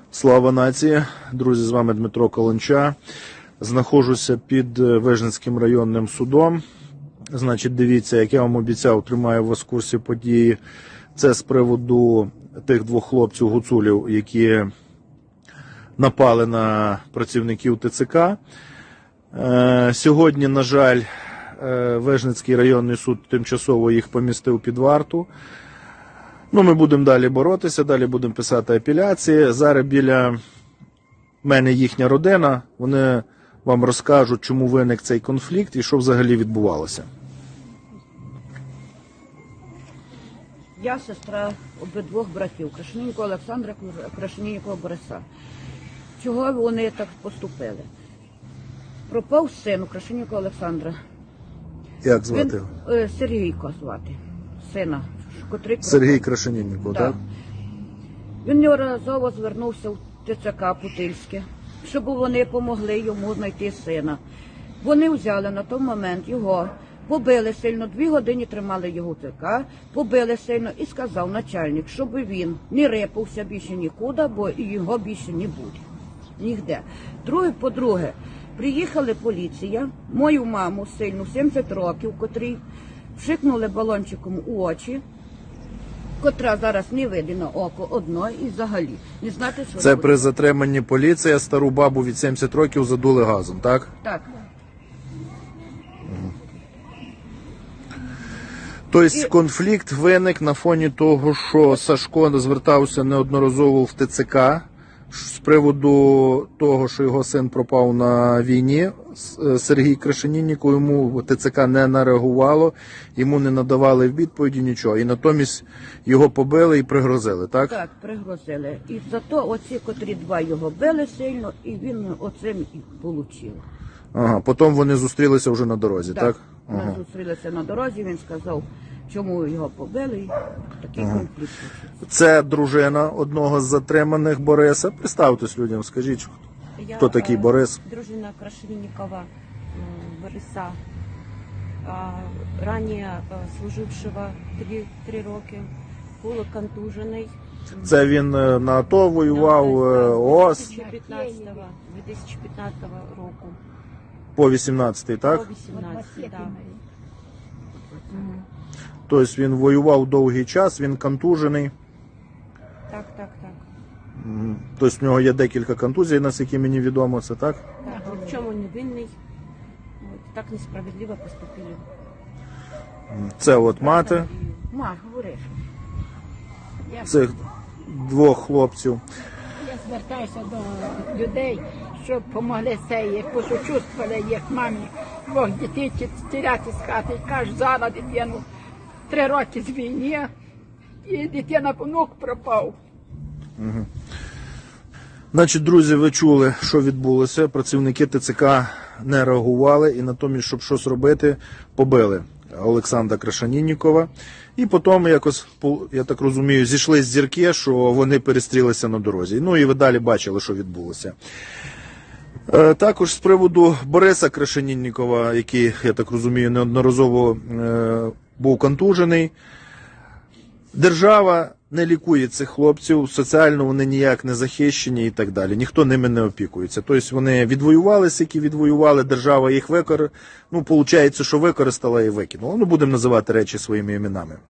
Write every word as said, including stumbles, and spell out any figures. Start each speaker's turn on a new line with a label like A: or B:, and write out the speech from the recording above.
A: Слава нації! Друзі, з вами Дмитро Каланча. Знаходжуся під Вижницьким районним судом. Значить, дивіться, як я вам обіцяв, тримаю вас в курсі події. Це з приводу тих двох хлопців-гуцулів, які напали на працівників ТЦК. Сьогодні, на жаль, Вижницький районний суд тимчасово їх помістив під варту. Ну, ми будемо далі боротися, далі будемо писати апеляції. Зараз біля мене їхня родина, вони вам розкажуть, чому виник цей конфлікт і що взагалі відбувалося.
B: Я сестра обидвох братів, Крашеніннікова Олександра, Крашеніннікова Бориса. Чого вони так поступили? Пропав син у Крашеніннікова Олександра.
A: Як звати його?
B: Він, Сергійко звати, сина. Котрий
A: Сергій Крашенінніков,
B: так?
A: так?
B: Він неодноразово звернувся в ТЦК Путильське, щоб вони допомогли йому знайти сина. Вони взяли на той момент його, побили сильно, дві години тримали його в ТЦК, побили сильно і сказав начальник, щоб він не рипався більше нікуди, бо його більше не буде. Нігде. Друге, по-друге, приїхала поліція, мою маму сильну, сімдесят років, котрій вшикнули балончиком у очі, котра зараз не видно на око одно і взагалі не знати, що
A: Це
B: робити.
A: при затриманні поліція стару бабу від сімдесят років задули газом, так?
B: Так.
A: Тобто
B: І-
A: конфлікт виник на фоні того, що Сашко звертався неодноразово в ТЦК з приводу того, що його син пропав на війні. С- Сергій Крашенінніков, йому ТЦК не нареагувало, йому не надавали відповіді нічого. І натомість його побили і пригрозили, так?
B: Так, пригрозили. І зато оці, котрі два його били сильно, і він оцим і отримав.
A: Ага, потім вони зустрілися вже на дорозі, так?
B: Ми
A: Ага.
B: зустрілися на дорозі, він сказав, чому його побили, і такий конфлікт почався.
A: Це дружина одного з затриманих Бориса. Представтесь людям, скажіть,
C: Я,
A: хто такий
C: е,
A: Борис?
C: Дружина Крашенинникова м, Бориса, а, ранее е, служившего три, три роки, був контужений.
A: Це він е, на АТО воював, е, ООС
C: дві тисячі п'ятнадцятого дві тисячі п'ятнадцятого року.
A: по вісімнадцятий, так?
C: По вісімнадцятий, да. Мгм.
A: Тобто він воював довгий час, він контужений.
C: Так, так, так.
A: Мгм. Тобто в нього є декілька контузій, наскільки мені відомо, це так?
C: Так, ні в чому не винний. От, так несправедливо поступили.
A: Це от мати
B: Ма, говориш.
A: цих двох хлопців.
D: Я звертаюся до людей, щоб допомогли цієї, посочувствували їх мамі, двох дітей тіряти з хати. Кажуть, зараз дитину три роки з війни, і дитина внук пропав.
A: Значить, друзі, ви чули, що відбулося. Працівники ТЦК не реагували і натомість, щоб щось робити, побили Олександра Крашеніннікова. І потім якось, я так розумію, зійшли з зірки, що вони перестрілися на дорозі. Ну і ви далі бачили, що відбулося. Е, Також з приводу Бориса Крашеніннікова, який, я так розумію, неодноразово е, був контужений. Держава не лікує цих хлопців, соціально вони ніяк не захищені і так далі. Ніхто ними не опікується. Тобто вони відвоювалися, які відвоювали, держава їх використала. Ну, виходить, що використала і викинула. Ну, будемо називати речі своїми іменами.